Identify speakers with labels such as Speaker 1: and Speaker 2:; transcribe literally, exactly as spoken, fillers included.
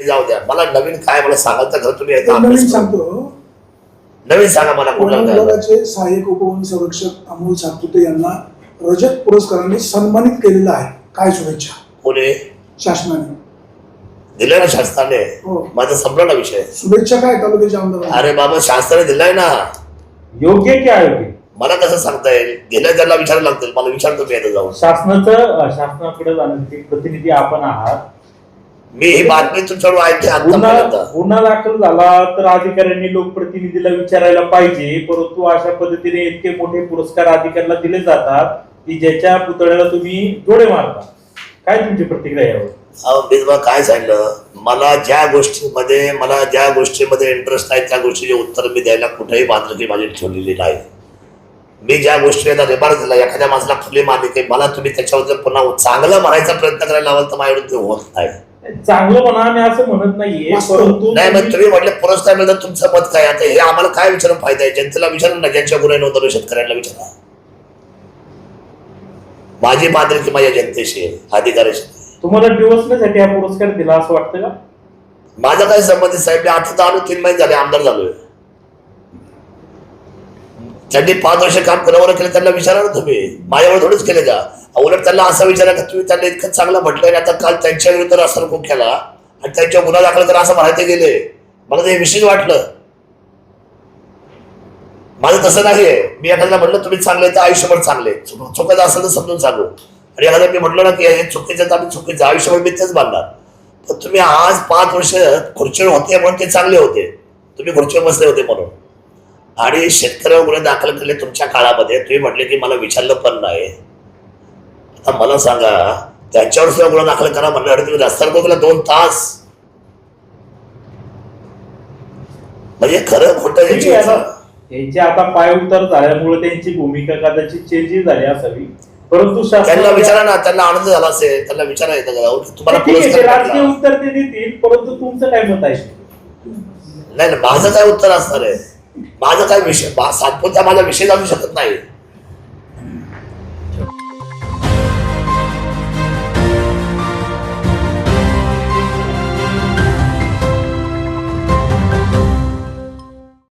Speaker 1: जाऊ द्या, मला नवीन काय मला सांगाल तर घर तुम्ही एकदा
Speaker 2: नवीन
Speaker 1: अभ्यास करा.
Speaker 2: सांगतो.
Speaker 1: नवीन सांगा मला कुठला
Speaker 2: वन
Speaker 1: काय.
Speaker 2: विभागाचे सहाय्यक उपवन संरक्षक अमोल सातपुते यांना रजत पुरस्काराने सन्मानित केलेलं आहे. काय शुभेच्छा
Speaker 1: कोणी
Speaker 2: शासनाने
Speaker 1: दिलाय ना शासनाने.
Speaker 2: हो.
Speaker 1: माझा संपला ना विषय.
Speaker 2: शुभेच्छा काय तालुक्याच्या आमदार
Speaker 1: अरे बाबा शासनाने दिलाय ना.
Speaker 3: योग्य की अयोग्य
Speaker 1: मला कसं सांगता येईल? गेल्या त्याला विचारायला लागतील. मला विचारतो मी आता जाऊन.
Speaker 3: शासनाचं शासनाकडे जाण्याचे प्रतिनिधी आपण आहात.
Speaker 1: मी ही बातमी तुमच्याकडून ऐकते
Speaker 3: गुन्हा
Speaker 1: आता.
Speaker 3: गुन्हा दाखल झाला तर अधिकाऱ्यांनी लोकप्रतिनिधीला विचारायला पाहिजे, परंतु अशा पद्धतीने इतके मोठे पुरस्कार अधिकाऱ्याला दिले जातात की ज्याच्या पुतळ्याला तुम्ही डोळे मारता. काय तुमची प्रतिक्रिया यावर?
Speaker 1: अहो मी तुम्हाला काय सांगितलं, मला ज्या गोष्टीमध्ये मला ज्या गोष्टीमध्ये इंटरेस्ट आहे त्या गोष्टीचे उत्तर मी द्यायला कुठेही बांधकी माझी ठेवलेली नाही. मी ज्या गोष्टीला रिमार्क दिला, एखाद्या माणसाला खुली मारली की मला तुम्ही त्याच्याबद्दल पुन्हा चांगलं म्हणायचा प्रयत्न करायला लावाल तर माझ्याकडून ते होत नाही.
Speaker 3: चांगलं म्हणा मी असं म्हणत नाहीये, परंतु
Speaker 1: नाही मग तुम्ही म्हटले पुरस्कार मिळतात तुमचं मत काय? आता हे आम्हाला काय विचारून फायदा आहे? जनतेला विचारून ना, ज्यांच्या गुन्हे नोंदवले शेतकऱ्यांना विचारा. माझी बांधिलकी माझ्या जनतेशी आहे, अधिकाऱ्याशी.
Speaker 3: तुम्हाला डिवोर्ससाठी हा पुरस्कार दिला असं वाटतं का?
Speaker 1: माझा काय संबंधित साहेब, मी आता आलो तीन महिने झाले आमदार झालोय. त्यांनी पाच वर्ष काम करावं केलं, त्यांना विचारा ना तुम्ही. माझ्यावर थोडंच केले का? उलट त्यांना असं विचारा का तुम्ही त्यांना इतकं चांगलं म्हटलंय, आता काल त्यांच्या विरुद्ध रस्ता खूप केला आणि त्यांच्या गुन्हा दाखल करा असं म्हणायचे गेले. मला ते विशेष वाटलं. माझं तसं नाहीये. मी एखाद्याला म्हटलं तुम्ही चांगले तर आयुष्यभर चांगले, चुकायचं असेल तर समजून सांगू. आणि एखाद्या मी म्हटलं ना की हे चुकीचं तर आम्ही चुकीचं आयुष्यभर मी तेच बांधणार. पण तुम्ही आज पाच वर्ष खुर्चीवर होते म्हणून ते चांगले होते, तुम्ही खुर्चीवर बसले होते म्हणून. आणि शेतकऱ्यावर गुन्हे दाखल केले तुमच्या काळामध्ये, तुम्ही म्हटले की मला विचारलं पण नाही. आता मला सांगा, त्यांच्यावर सुद्धा गुन्हा दाखल करा म्हणल्यावर तुम्ही रस्त्यावर गेला दोन तास. म्हणजे खरं खोटं
Speaker 3: यांचे आता पाय उतार झाल्यामुळे त्यांची भूमिका कदाचित चेंज झाली असावी, परंतु
Speaker 1: त्यांना विचारा ना, त्यांना आनंद झाला असेल, त्यांना विचारा येतं का तुम्हाला
Speaker 3: राजकीय उत्तर ते देतील, परंतु तुमचं काय मत आहे?
Speaker 1: नाही, माझं काय उत्तर असणार आहे? माझं काय विषय सातपुत्या माझा विषय जाणू शकत नाही.